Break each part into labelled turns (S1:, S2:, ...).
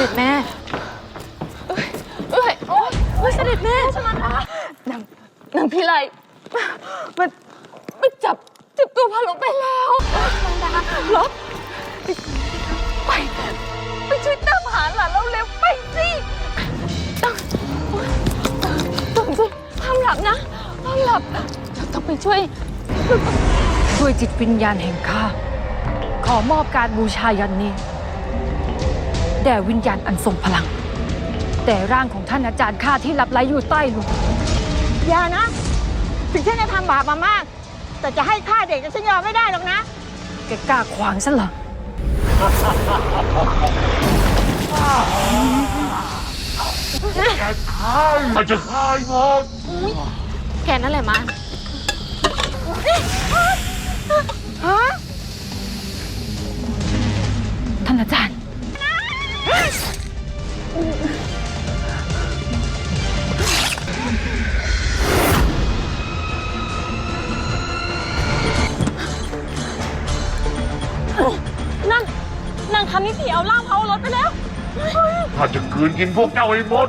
S1: ด็จแม่โอ้ยเสด็จแม่ชมันดานางพี่ไลมันจับตัวพาลงไปแล้วชมันดาลบไปช่วยตามหาหลานเราเร็วไปสิต้องสิห้ามหลับนะห้ามหลับต้องไปช่วย
S2: จิตวิญญาณแห่งข้าขอมอบการบูชายันนี้แด่วิญญาณอันทรงพลังแต่ร่างของท่านอาจารย์ข้าที่หลับไหลอยู่ใต้หลุม
S3: อย่านะถึงฉันจะทำบาปมามากแต่จะให้ฆ่าเด็กฉันยอมไม่ได้หรอกนะ
S2: แกกล้าขวางฉันเหรอ
S4: มันจะฆ่าหมด
S1: แกนั่นแหละมา
S2: ท่านอาจารย์
S1: นางทำนิสัยเอาล่างเผารถไปแล้ว
S4: ข้าจะคืนกินพวกเจ้าให้หมด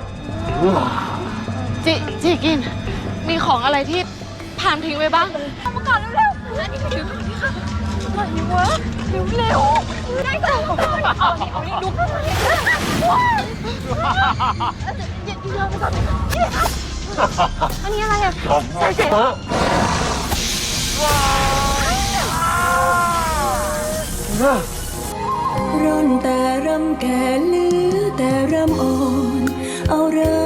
S1: จีกินมีของอะไรที่ผ่านทิ้งไว้บ้างเอามาก่อนเร็วๆนี่ถือนี่ค่ะอะไรวะเร็วได้ค่ะนี่ดูอันนี้อะไรอ่ะ
S4: ใส่เสื้อ
S5: ร่อนแต่รำแก่เหลือแต่รำอ่อนเอาเริ่